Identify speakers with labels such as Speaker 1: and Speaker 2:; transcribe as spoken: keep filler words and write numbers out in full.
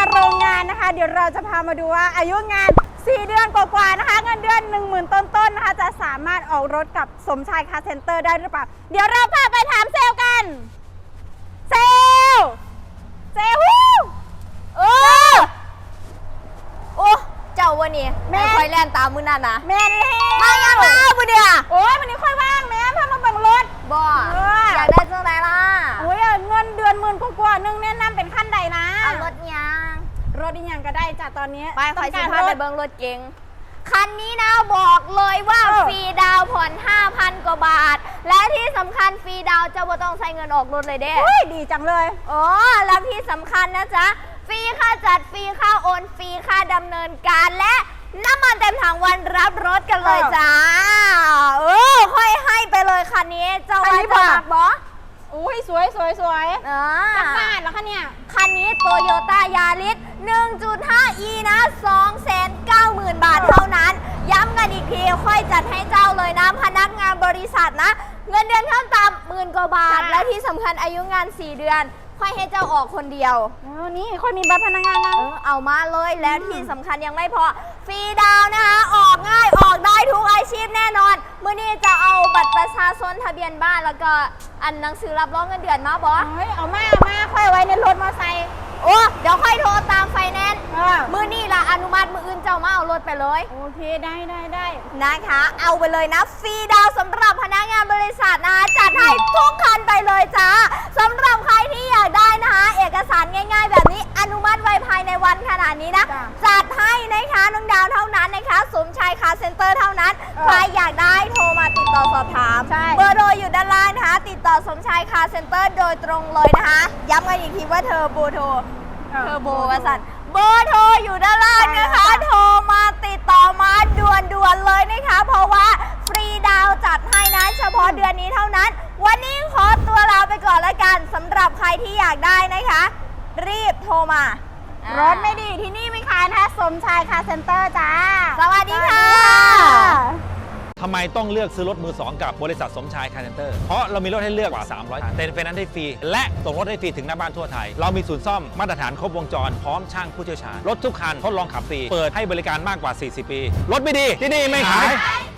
Speaker 1: โรงงานนะคะเดี๋ยวเราจะพามาดูว่าอายุงานสี่เดือนกว่าๆนะคะเงินเดือน หนึ่งหมื่น ต้นๆนะคะจะสามารถออกรถกับสมชายคาร์เซ็นเตอร์ได้หรือเปล่าเดี๋ยวเราพาไปถามเซลล์กันเซลล์เซลล์ฮู้เออ
Speaker 2: โอ้เจ้าวันนี้
Speaker 1: แม่
Speaker 2: แม่คอยแล่นตามมือนั่นนะ
Speaker 1: แม่นี่
Speaker 2: มายังมาบุเดีย
Speaker 1: โอ้ยวันนี้ค่อยว่างแม่พามาเบิ่งรถ
Speaker 2: บ่
Speaker 1: เออ
Speaker 2: อยากได้จังไรล่ะ
Speaker 1: โอ้ยเงินเดือนหมื่นกว่าๆนึงแนะนำเป็นขั้นใดนะ
Speaker 2: เอารถยัง
Speaker 1: รถอีหยังก็ได้จ้ะตอนนี้
Speaker 2: ไปคอยสิ
Speaker 1: ต้ง
Speaker 2: พาก
Speaker 1: ร
Speaker 2: ไป
Speaker 1: ถ
Speaker 2: เบิ้งรถเก๋งคันนี้นะบอกเลยว่า
Speaker 1: เออ
Speaker 2: ฟรีดาวน์ผ่อน ห้าพัน กว่าบาท และที่สำคัญฟรีดาวน์เจ้าบ่ต้องใช้เงินออกรถเลยเด้
Speaker 1: เฮ้ยดีจังเลย
Speaker 2: โอ้แล้วที่สำคัญนะจ๊ะฟรีค่าจัดฟรีค่าโอนฟรีค่าดำเนินการและน้ำมันเต็มถังวันรับรถกันเลย
Speaker 1: เออ
Speaker 2: จ้าเออค่อยให้ไปเลยคันนี้เจ้า
Speaker 1: คัน
Speaker 2: ว่า
Speaker 1: นี้
Speaker 2: จะ
Speaker 1: บ่
Speaker 2: มักบอ
Speaker 1: อุ้ยสวยสวยสวย
Speaker 2: เอ
Speaker 1: จักร
Speaker 2: อ
Speaker 1: บาทแล้วคะเนี่ย
Speaker 2: คันนี้โตโยต้ายาริส หนึ่งจุดห้า อี นะ สองแสนเก้าหมื่น บาทเท่านั้น ย้ำกันอีกที ค่อยจัดให้เจ้าเลยนะ พนักงานบริษัทนะ เงินเดือนขั้นต่ำหมื่นกว่าบาท
Speaker 1: จ้ะ
Speaker 2: และที่สำคัญอายุงาน สี่ เดือน ค่อยให้เจ้าออกคนเดียว
Speaker 1: เออนี่ค่อยมีบัตรพนักงานนะ
Speaker 2: เออเอามาเลยแล้วที่สำคัญยังไม่พอ ฟรีดาวน์นะคะ ออกง่ายออกได้ทุกอาชีพแน่นอนเมื่อนี้จะเอาบัตรประชาชนทะเบียนบ้านแล้วก็อันหนังสือรับรองเงินเดือนมาบอ
Speaker 1: เฮ้ยเอามาเอามาค่อยเอาไว้ในรถมอเตอร์ไซค์
Speaker 2: โอ้เดี๋ยวค่อยโทรตามไฟแนนซ์
Speaker 1: เออ
Speaker 2: มือนี่ละอนุมัติมืออื่นเจ้ามาเอารถไปเลย
Speaker 1: โอเคได้ได้ได้
Speaker 2: นะคะ เอาไปเลยนะฟรีดาวน์สำหรับพนักงานบริษัทนะคะจัดให้ทุกคันไปเลยจ้าสำหรับใครที่อยากได้นะคะเอกสารง่าย ๆ แบบนี้อนุมัติไว้ภายในวันขนาดนี้นะ
Speaker 1: จ้ะ
Speaker 2: จัดให้นะคะน้องดาวเท่านั้นนะคะสมชายคาร์เซ็นเตอร์เท่านั้น
Speaker 1: เออ
Speaker 2: ใครอยากได้โทรมาติดต่อสอบถาม
Speaker 1: ใช่
Speaker 2: เบอร์โทรอยู่ด้านล่างนะคะติดต่อสมชายคาร์เซ็นเตอร์โดยตรงเลยนะคะย้ำกันอีกทีว่าเธอโบโทร เทอร์โบวสันเบอร์โทรอยู่ด้านล่างนะคะ โทรมาติดต่อมาด่วนๆเลยนะคะ เพราะว่าฟรีดาวน์จัดให้นะเฉพาะเดือนนี้เท่านั้น วันนี้ขอตัวลาไปก่อนละกันสำหรับใครที่อยากได้นะคะ รีบโทรมาร
Speaker 1: ถไม่ดีที่นี่ไม่ขายนะคะสมชายคาร์เซ็นเตอร์จ้า
Speaker 2: สวัสดีค่ะ
Speaker 3: ทำไมต้องเลือกซื้อรถมือสองกับบริษัทสมชายคาร์เซ็นเตอร์ เพราะเรามีรถให้เลือกกว่า สามร้อย คันเต็นท์ไฟแนนซ์ให้ฟรี และส่งรถให้ฟรีถึงหน้าบ้านทั่วไทย เรามีศูนย์ซ่อมมาตรฐานครบวงจร พร้อมช่างผู้เชี่ยวชาญ รถทุกคันทดลองขับฟรี เปิดให้บริการมากกว่า สี่สิบ ปี รถไม่ดีที่นี่ไม่ขาย